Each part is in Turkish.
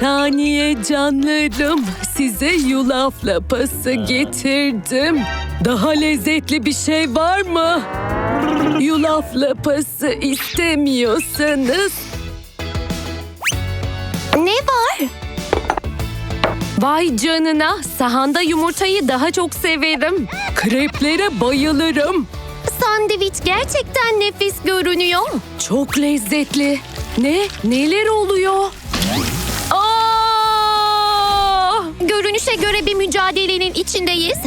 saniye canlarım. Size yulaf lapası getirdim. Daha lezzetli bir şey var mı? Yulaf lapası istemiyorsanız. Ne var? Vay canına, sahanda yumurtayı daha çok severim. Kreplere bayılırım. Sandviç gerçekten nefis görünüyor. Çok lezzetli. Neler oluyor? Aa! Görünüşe göre bir mücadelenin içindeyiz.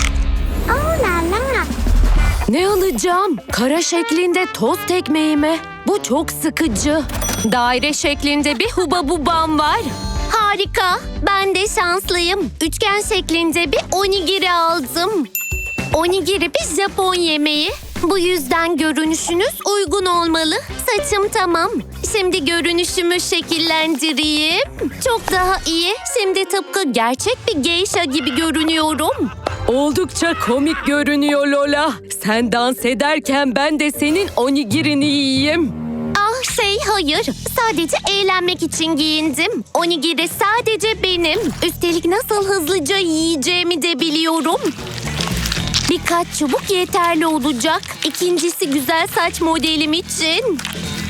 Ne alacağım? Kara şeklinde tost ekmeği mi? Bu çok sıkıcı. Daire şeklinde bir hubabubam var. Harika. Ben de şanslıyım. Üçgen şeklinde bir onigiri aldım. Onigiri bir Japon yemeği. Bu yüzden görünüşünüz uygun olmalı. Saçım tamam. Şimdi görünüşümü şekillendireyim. Çok daha iyi. Şimdi tıpkı gerçek bir geisha gibi görünüyorum. Oldukça komik görünüyor Lola. Sen dans ederken ben de senin onigirini yiyeyim. Hayır. Sadece eğlenmek için giyindim. Onigiri sadece benim. Üstelik nasıl hızlıca yiyeceğimi de biliyorum. Birkaç çubuk yeterli olacak. İkincisi güzel saç modelim için.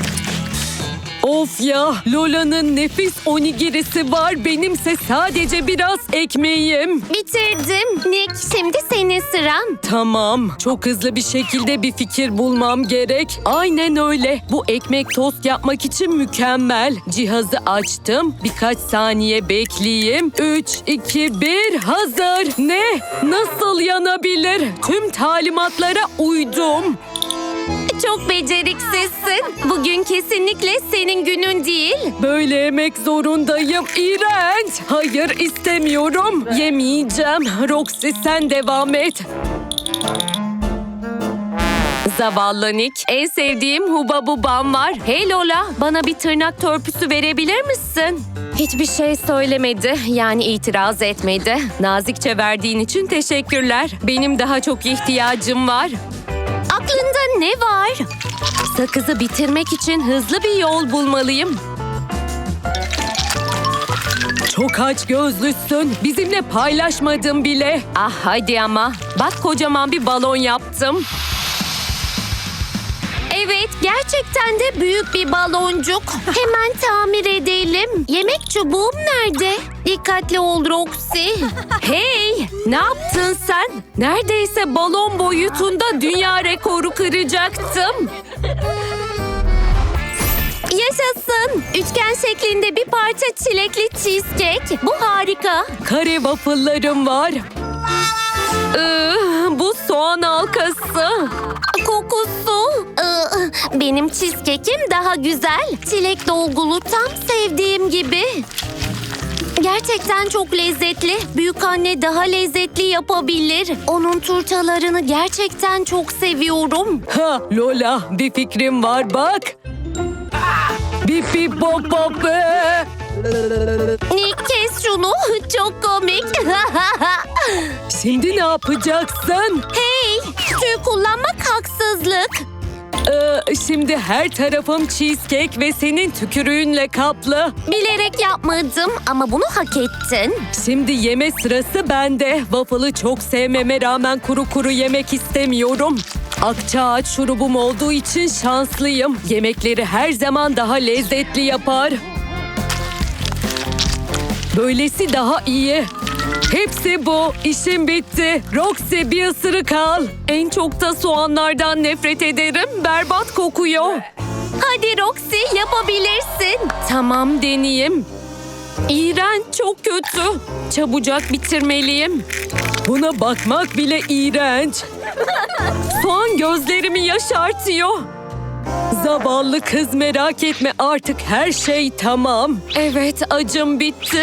Of ya, Lola'nın nefis onigirisi var. Benimse sadece biraz ekmeğim. Bitirdim. Nick, şimdi senin sıran. Tamam, çok hızlı bir şekilde bir fikir bulmam gerek. Aynen öyle. Bu ekmek tost yapmak için mükemmel. Cihazı açtım. Birkaç saniye bekleyeyim. 3, 2, 1, hazır. Ne? Nasıl yanabilir? Tüm talimatlara uydum. Çok beceriksizsin. Bugün kesinlikle senin günün değil. Böyle yemek zorundayım. İğrenç. Hayır, istemiyorum. Yemeyeceğim. Roxy, sen devam et. Zavallı Nick. En sevdiğim hubabubam var. Hey Lola, bana bir tırnak törpüsü verebilir misin? Hiçbir şey söylemedi. Yani itiraz etmedi. Nazikçe verdiğin için teşekkürler. Benim daha çok ihtiyacım var. Aklında ne var? Sakızı bitirmek için hızlı bir yol bulmalıyım. Çok aç gözlüsün. Bizimle paylaşmadın bile. Ah hadi ama. Bak kocaman bir balon yaptım. Evet, gerçekten de büyük bir baloncuk. Hemen tamir edelim. Yemek çubuğum nerede? Dikkatli ol Roxy. Hey, ne yaptın sen? Neredeyse balon boyutunda dünya rekoru kıracaktım. Yaşasın. Üçgen şeklinde bir parça çilekli cheesecake. Bu harika. Kare waffle'larım var. Bu soğan halkası. Kokusu. Benim cheesecake'im daha güzel. Çilek dolgulu tam sevdiğim gibi. Gerçekten çok lezzetli. Büyükanne daha lezzetli yapabilir. Onun turtalarını gerçekten çok seviyorum. Ha Lola, bir fikrim var bak. Bip bip bop bop. Nick, kes şunu. Çok komik. Şimdi ne yapacaksın? Hey, tüy kullanmak haksızlık. Şimdi her tarafım cheesecake ve senin tükürüğünle kaplı. Bilerek yapmadım ama bunu hak ettin. Şimdi yeme sırası bende. Waffle'ı çok sevmeme rağmen kuru kuru yemek istemiyorum. Akçaağaç şurubum olduğu için şanslıyım. Yemekleri her zaman daha lezzetli yapar. Böylesi daha iyi. Hepsi bu. İşim bitti. Roxy, bir ısırık al. En çok da soğanlardan nefret ederim. Berbat kokuyor. Hadi Roxy, yapabilirsin. Tamam, deneyeyim. İğrenç, çok kötü. Çabucak bitirmeliyim. Buna bakmak bile iğrenç. Soğan gözlerimi yaşartıyor. Zavallı kız, merak etme, artık her şey tamam. Evet, acım bitti.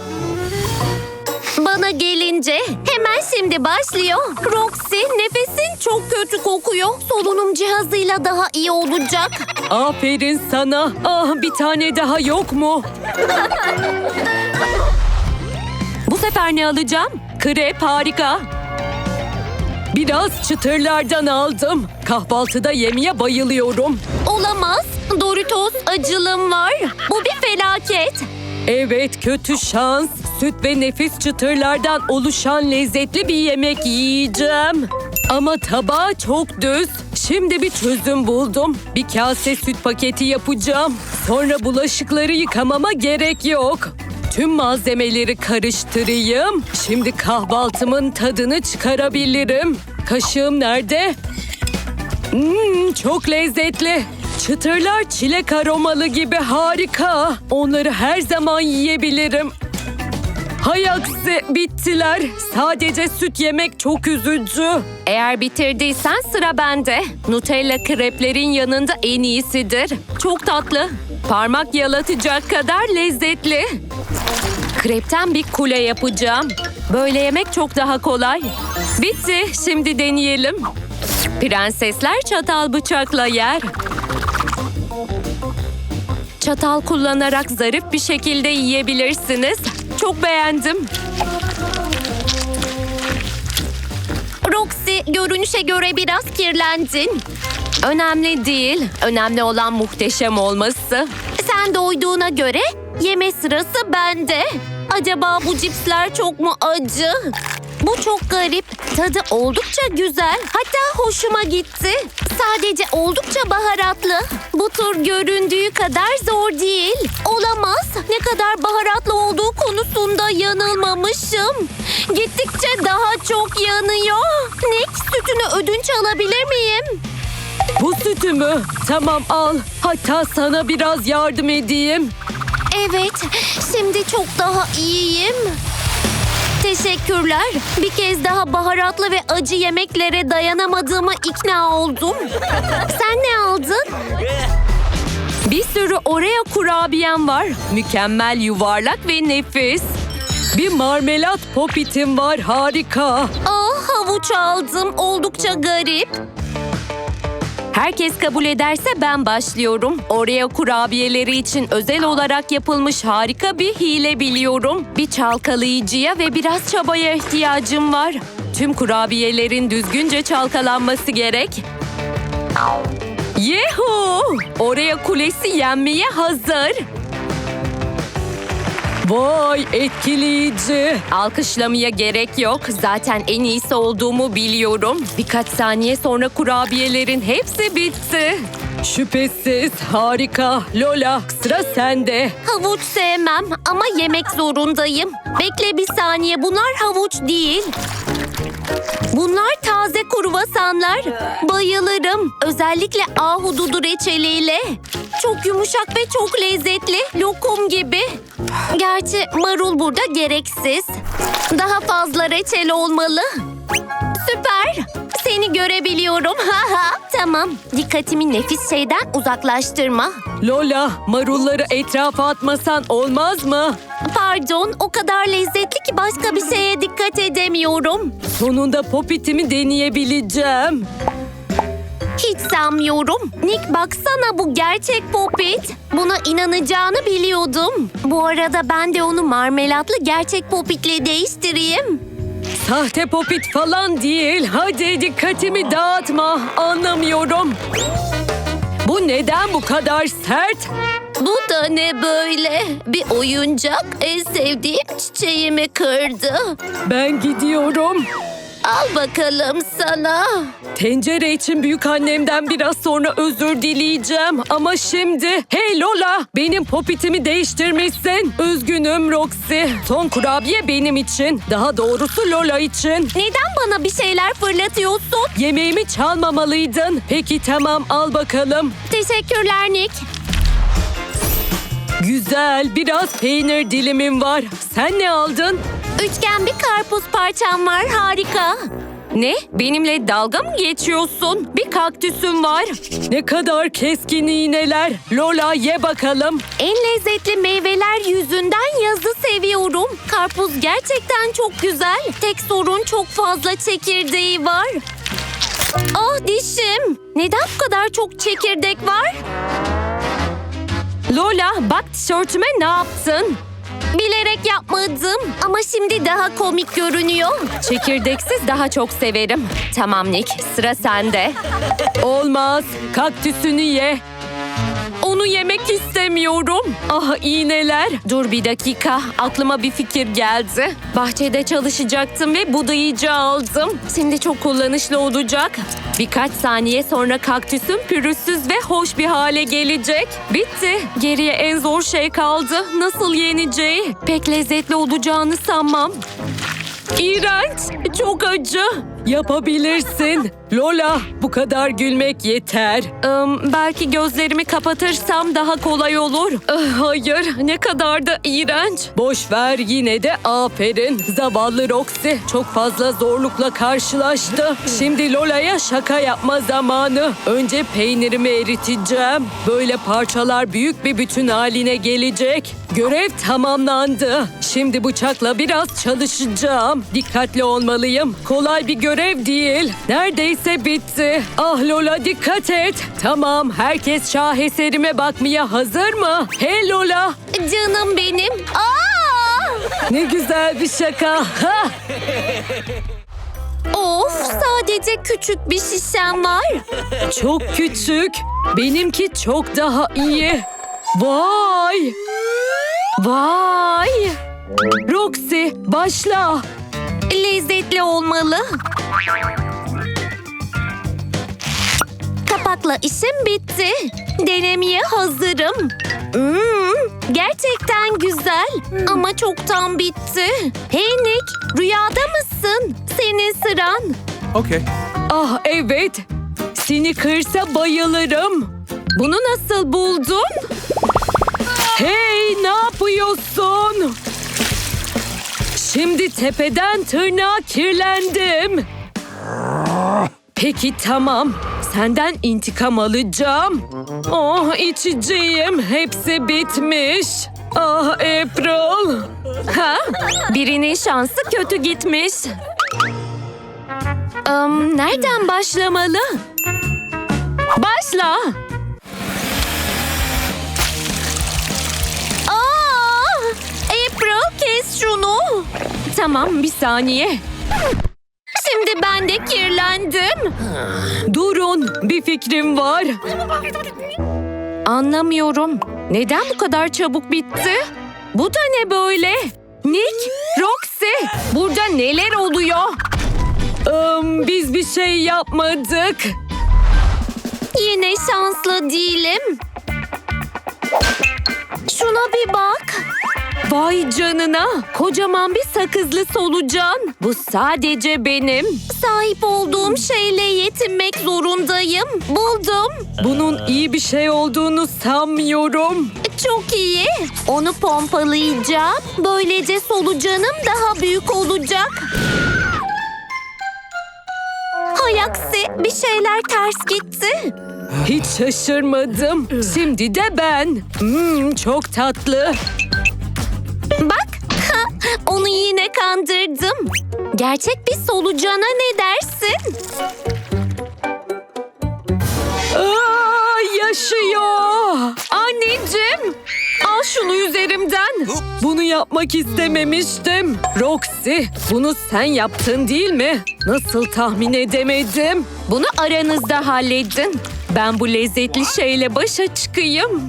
Bana gelince hemen şimdi başlıyor. Roxy, nefesin çok kötü kokuyor. Solunum cihazıyla daha iyi olacak. Aferin sana. Bir tane daha yok mu? Bu sefer ne alacağım? Krep, harika. Biraz çıtırlardan aldım. Kahvaltıda yemeye bayılıyorum. Olamaz. Doritos acılım var. Bu bir felaket. Evet, kötü şans. Süt ve nefis çıtırlardan oluşan lezzetli bir yemek yiyeceğim. Ama tabağı çok düz. Şimdi bir çözüm buldum. Bir kase süt paketi yapacağım. Sonra bulaşıkları yıkamama gerek yok. Tüm malzemeleri karıştırayım. Şimdi kahvaltımın tadını çıkarabilirim. Kaşığım nerede? Çok lezzetli. Çıtırlar çilek aromalı gibi harika. Onları her zaman yiyebilirim. Hay aksi, bittiler. Sadece süt yemek çok üzücü. Eğer bitirdiysen sıra bende. Nutella kreplerin yanında en iyisidir. Çok tatlı. Parmak yalatacak kadar lezzetli. Krepten bir kule yapacağım. Böyle yemek çok daha kolay. Bitti. Şimdi deneyelim. Prensesler çatal bıçakla yer. Çatal kullanarak zarif bir şekilde yiyebilirsiniz. Çok beğendim. Roxy, görünüşe göre biraz kirlendin. Önemli değil. Önemli olan muhteşem olması. Sen doyduğuna göre yeme sırası bende. Acaba bu cipsler çok mu acı? Bu çok garip. Tadı oldukça güzel. Hatta hoşuma gitti. Sadece oldukça baharatlı. Bu tur göründüğü kadar zor değil. Olamaz. Ne kadar baharatlı olduğu konusunda yanılmamışım. Gittikçe daha çok yanıyor. Nick, sütünü ödünç alabilir miyim? Bu sütü mü? Tamam, al. Hatta sana biraz yardım edeyim. Evet, şimdi çok daha iyiyim. Teşekkürler. Bir kez daha baharatlı ve acı yemeklere dayanamadığıma ikna oldum. Sen ne aldın? Bir sürü Oreo kurabiyem var. Mükemmel, yuvarlak ve nefis. Bir marmelat popitim var, harika. Havuç aldım. Oldukça garip. Herkes kabul ederse ben başlıyorum. Oreo kurabiyeleri için özel olarak yapılmış harika bir hile biliyorum. Bir çalkalayıcıya ve biraz çabaya ihtiyacım var. Tüm kurabiyelerin düzgünce çalkalanması gerek. Yehu! Oreo kulesi yenmeye hazır. Vay, etkileyici. Alkışlamaya gerek yok. Zaten en iyisi olduğumu biliyorum. Birkaç saniye sonra kurabiyelerin hepsi bitti. Şüphesiz harika. Lola, sıra sende. Havuç sevmem ama yemek zorundayım. Bekle bir saniye. Bunlar havuç değil. Bunlar taze kruvasanlar. Bayılırım. Özellikle ahududu reçeliyle. Çok yumuşak ve çok lezzetli. Lokum gibi. Gerçi marul burada gereksiz. Daha fazla reçel olmalı. Süper. Seni görebiliyorum. Tamam. Dikkatimi nefis şeyden uzaklaştırma. Lola, marulları etrafa atmasan olmaz mı? Pardon, o kadar lezzetli ki başka bir şeye dikkat edemiyorum. Sonunda popitimi deneyebileceğim. Hiç sanmıyorum. Nick, baksana, bu gerçek popit. Buna inanacağını biliyordum. Bu arada ben de onu marmelatlı gerçek popitle değiştireyim. Sahte popit falan değil. Hadi dikkatimi dağıtma. Anlamıyorum. Bu neden bu kadar sert? Bu da ne böyle? Bir oyuncak en sevdiğim çiçeğimi kırdı. Ben gidiyorum. Al bakalım sana. Tencere için büyükannemden biraz sonra özür dileyeceğim. Ama şimdi... Hey Lola! Benim popitimi değiştirmişsin. Üzgünüm Roxy. Son kurabiye benim için. Daha doğrusu Lola için. Neden bana bir şeyler fırlatıyorsun? Yemeğimi çalmamalıydın. Peki tamam, al bakalım. Teşekkürler Nick. Güzel, biraz peynir dilimim var. Sen ne aldın? Üçgen bir karpuz parçam var, harika. Ne? Benimle dalga mı geçiyorsun? Bir kaktüsüm var. Ne kadar keskin iğneler. Lola, ye bakalım. En lezzetli meyveler yüzünden yazı seviyorum. Karpuz gerçekten çok güzel. Tek sorun çok fazla çekirdeği var. Ah, dişim. Neden bu kadar çok çekirdek var? Lola, bak tişörtüme ne yaptın? Bilerek yapmadım ama şimdi daha komik görünüyor. Çekirdeksiz daha çok severim. Tamam Nick, sıra sende. Olmaz, kaktüsünü ye. Onu Bunu yemek istemiyorum. Ah iğneler. Dur bir dakika. Aklıma bir fikir geldi. Bahçede çalışacaktım ve budayıcı aldım. Şimdi çok kullanışlı olacak. Birkaç saniye sonra kaktüsüm pürüzsüz ve hoş bir hale gelecek. Bitti. Geriye en zor şey kaldı. Nasıl yeneceği? Pek lezzetli olacağını sanmam. İğrenç. Çok acı. Yapabilirsin. Lola, bu kadar gülmek yeter. Belki gözlerimi kapatırsam daha kolay olur. Hayır, ne kadar da iğrenç. Boş ver, yine de aferin. Zavallı Roxy çok fazla zorlukla karşılaştı. Şimdi Lola'ya şaka yapma zamanı. Önce peynirimi eriteceğim. Böyle parçalar büyük bir bütün haline gelecek. Görev tamamlandı. Şimdi bıçakla biraz çalışacağım. Dikkatli olmalıyım. Kolay bir görev değil. Neredeyse bitti. Ah Lola, dikkat et. Tamam, herkes şaheserime bakmaya hazır mı? Hey Lola. Canım benim. Aa! Ne güzel bir şaka. Ha! Of, sadece küçük bir şişem var. Çok küçük. Benimki çok daha iyi. Vay. Vay. Roxy, başla. Lezzetli olmalı. Kapakla işim bitti. Denemeye hazırım. Gerçekten güzel ama çoktan bitti. Hey Nick, rüyada mısın? Senin sıran. Okay. Ah evet. Snickers'a bayılırım. Bunu nasıl buldun? Hey, ne yapıyorsun? Şimdi tepeden tırnağa kirlendim. Peki tamam. Senden intikam alacağım. Oh, içeceğim. Hepsi bitmiş. Ah April. Ha? Birinin şansı kötü gitmiş. Nereden başlamalı? Başla. April, kes şunu. Tamam, bir saniye. Şimdi ben de kirlendim. Durun, bir fikrim var. Anlamıyorum. Neden bu kadar çabuk bitti? Bu da ne böyle? Nick, Roxy, burada neler oluyor? Biz bir şey yapmadık. Yine şanslı değilim. Şuna bir bak. Vay canına, kocaman bir sakızlı solucan. Bu sadece benim. Sahip olduğum şeyle yetinmek zorundayım. Buldum. Bunun iyi bir şey olduğunu sanmıyorum. Çok iyi. Onu pompalayacağım. Böylece solucanım daha büyük olacak. Hay aksi, bir şeyler ters gitti. Hiç şaşırmadım. Şimdi de ben. Çok tatlı. Bak, onu yine kandırdım. Gerçek bir solucana ne dersin? Yaşıyor. Anneciğim. Al şunu üzerimden. Bunu yapmak istememiştim. Roxy, bunu sen yaptın değil mi? Nasıl tahmin edemedim? Bunu aranızda halledin. Ben bu lezzetli şeyle başa çıkayım.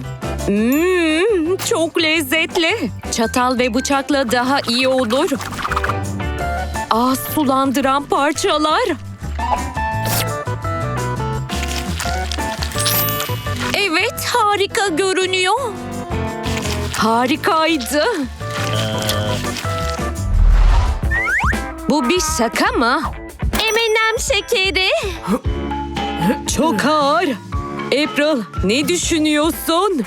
Çok lezzetli. Çatal ve bıçakla daha iyi olur. Ağız sulandıran parçalar. Evet, harika görünüyor. Harikaydı. Bu bir şaka mı? M&M şekeri. Çok ağır. April, ne düşünüyorsun?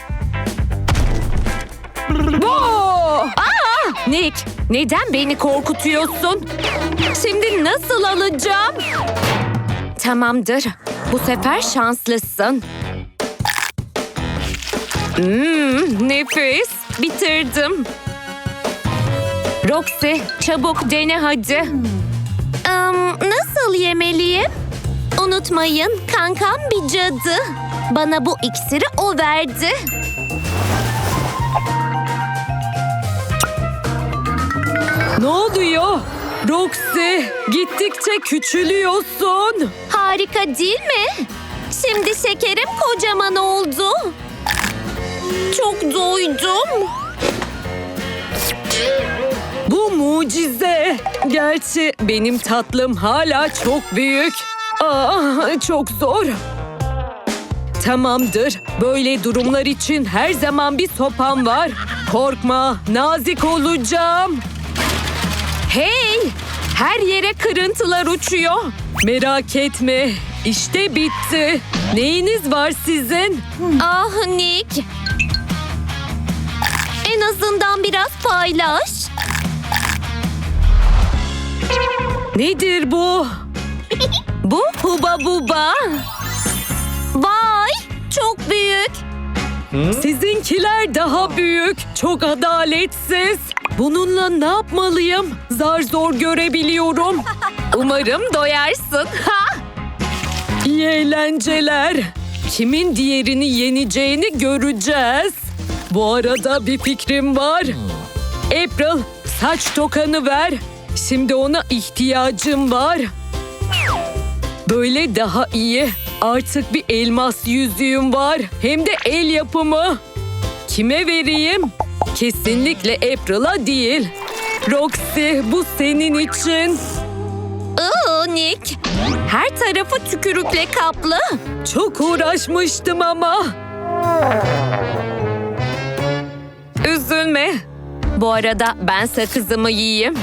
Nick, neden beni korkutuyorsun? Şimdi nasıl alacağım? Tamamdır. Bu sefer şanslısın. Nefis. Bitirdim. Roxy, çabuk dene hadi. Nasıl yemeliyim? Unutmayın, kankam bir cadı. Bana bu iksiri o verdi. Ne oluyor? Roxy, gittikçe küçülüyorsun. Harika değil mi? Şimdi şekerim kocaman oldu. Çok doydum. Bu mucize. Gerçi benim tatlım hala çok büyük. Çok zor. Tamamdır. Böyle durumlar için her zaman bir sopam var. Korkma, nazik olacağım. Hey! Her yere kırıntılar uçuyor. Merak etme. İşte bitti. Neyiniz var sizin? Ah Nick. En azından biraz paylaş. Nedir bu? Bu Huba Buba. Vay, çok büyük. Sizinkiler daha büyük. Çok adaletsiz. Bununla ne yapmalıyım? Zar zor görebiliyorum. Umarım doyarsın. İyi eğlenceler. Kimin diğerini yeneceğini göreceğiz. Bu arada bir fikrim var. April, saç tokanı ver. Şimdi ona ihtiyacım var. Böyle daha iyi. Artık bir elmas yüzüğüm var. Hem de el yapımı. Kime vereyim? Kesinlikle April'a değil. Roxy, bu senin için. Nick. Her tarafı tükürükle kaplı. Çok uğraşmıştım ama. Üzülme. Bu arada ben sakızımı yiyeyim.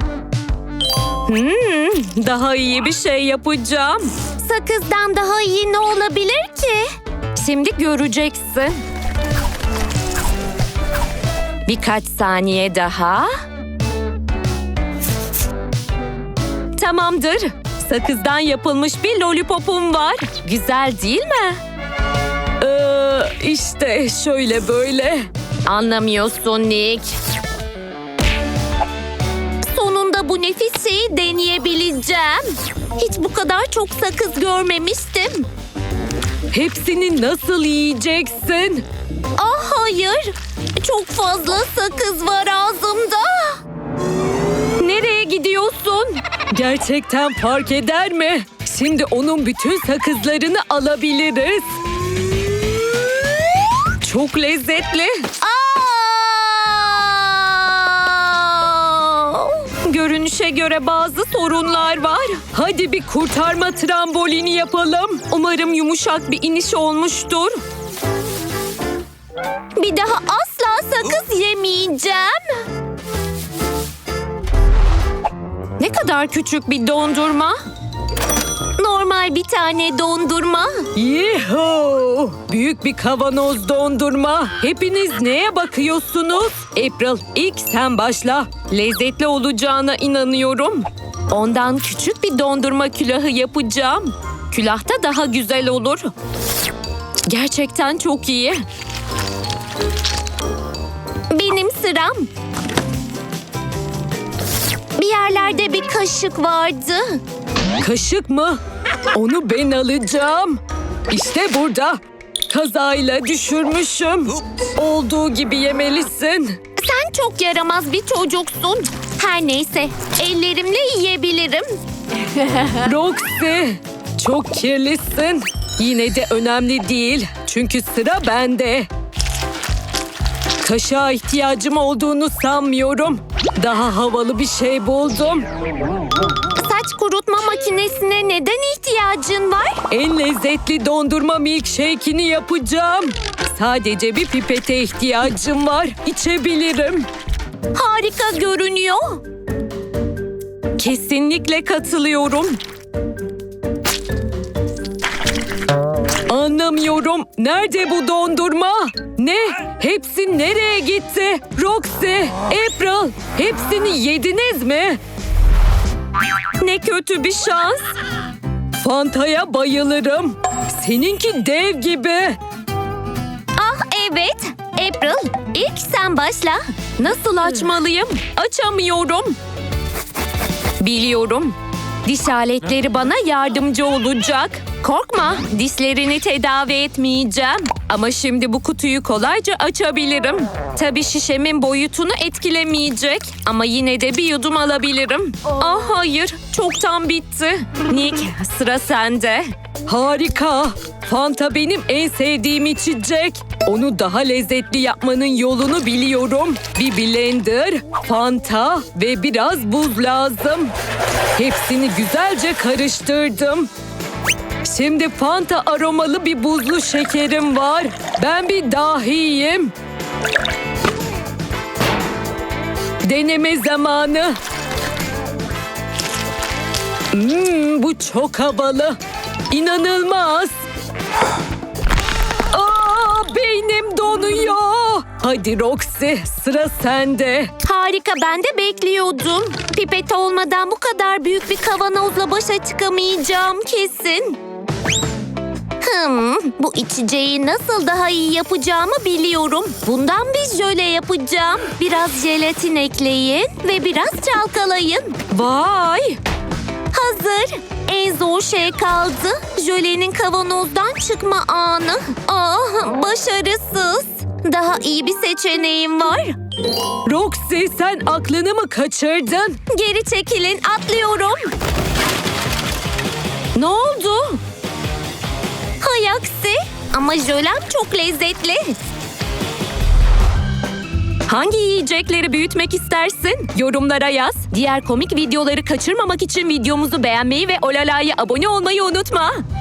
Daha iyi bir şey yapacağım. Sakızdan daha iyi ne olabilir ki? Şimdi göreceksin. Birkaç saniye daha. Tamamdır. Sakızdan yapılmış bir lollipopum var. Güzel değil mi? İşte şöyle böyle. Anlamıyorsun Nick. Sonunda bu nefis şeyi deneyebileceğim. Hiç bu kadar çok sakız görmemiştim. Hepsini nasıl yiyeceksin? Ah hayır. Çok fazla sakız var ağzımda. Nereye gidiyorsun? Gerçekten fark eder mi? Şimdi onun bütün sakızlarını alabiliriz. Çok lezzetli. Görünüşe göre bazı sorunlar var. Hadi bir kurtarma trambolini yapalım. Umarım yumuşak bir iniş olmuştur. Bir daha asla sakız yemeyeceğim. Ne kadar küçük bir dondurma. Normal bir tane dondurma. Yuhuu! Büyük bir kavanoz dondurma. Hepiniz neye bakıyorsunuz? April, ilk sen başla. Lezzetli olacağına inanıyorum. Ondan küçük bir dondurma külahı yapacağım. Külahta daha güzel olur. Gerçekten çok iyi. Benim sıram. Bir yerlerde bir kaşık vardı. Kaşık mı? Onu ben alacağım. İşte burada. Kazayla düşürmüşüm. Olduğu gibi yemelisin. Sen çok yaramaz bir çocuksun. Her neyse, ellerimle yiyebilirim. Roxy, çok kirlisin. Yine de önemli değil. Çünkü sıra bende. Kaşığa ihtiyacım olduğunu sanmıyorum. Daha havalı bir şey buldum. Saç kurutma makinesine neden ihtiyacın var? En lezzetli dondurma milkshake'ini yapacağım. Sadece bir pipete ihtiyacım var. İçebilirim. Harika görünüyor. Kesinlikle katılıyorum. Anlamıyorum. Nerede bu dondurma? Ne? Hepsi nereye gitti? Roxy, April, hepsini yediniz mi? Ne kötü bir şans. Fanta'ya bayılırım. Seninki dev gibi. Ah evet, April, ilk sen başla. Nasıl açmalıyım? Açamıyorum. Biliyorum. Diş aletleri bana yardımcı olacak. Korkma, dişlerini tedavi etmeyeceğim. Ama şimdi bu kutuyu kolayca açabilirim. Tabii şişemin boyutunu etkilemeyecek. Ama yine de bir yudum alabilirim. Ah hayır, çoktan bitti. Nick, sıra sende. Harika. Fanta benim en sevdiğim içecek. Onu daha lezzetli yapmanın yolunu biliyorum. Bir blender, Fanta ve biraz buz lazım. Hepsini güzelce karıştırdım. Şimdi Fanta aromalı bir buzlu şekerim var. Ben bir dahiyim. Deneme zamanı. Bu çok havalı. İnanılmaz. Beynim donuyor. Hadi Roxy, sıra sende. Harika, ben de bekliyordum. Pipet olmadan bu kadar büyük bir kavanozla başa çıkamayacağım kesin. Bu içeceği nasıl daha iyi yapacağımı biliyorum. Bundan bir jöle yapacağım. Biraz jelatin ekleyin ve biraz çalkalayın. Vay! Hazır. En zor şey kaldı. Jölenin kavanozdan çıkma anı. Başarısız. Daha iyi bir seçeneğim var. Roxy, sen aklını mı kaçırdın? Geri çekilin, atlıyorum. Ne oldu? Hay aksi. Ama jölem çok lezzetli. Hangi yiyecekleri büyütmek istersin? Yorumlara yaz. Diğer komik videoları kaçırmamak için videomuzu beğenmeyi ve Olala'ya abone olmayı unutma.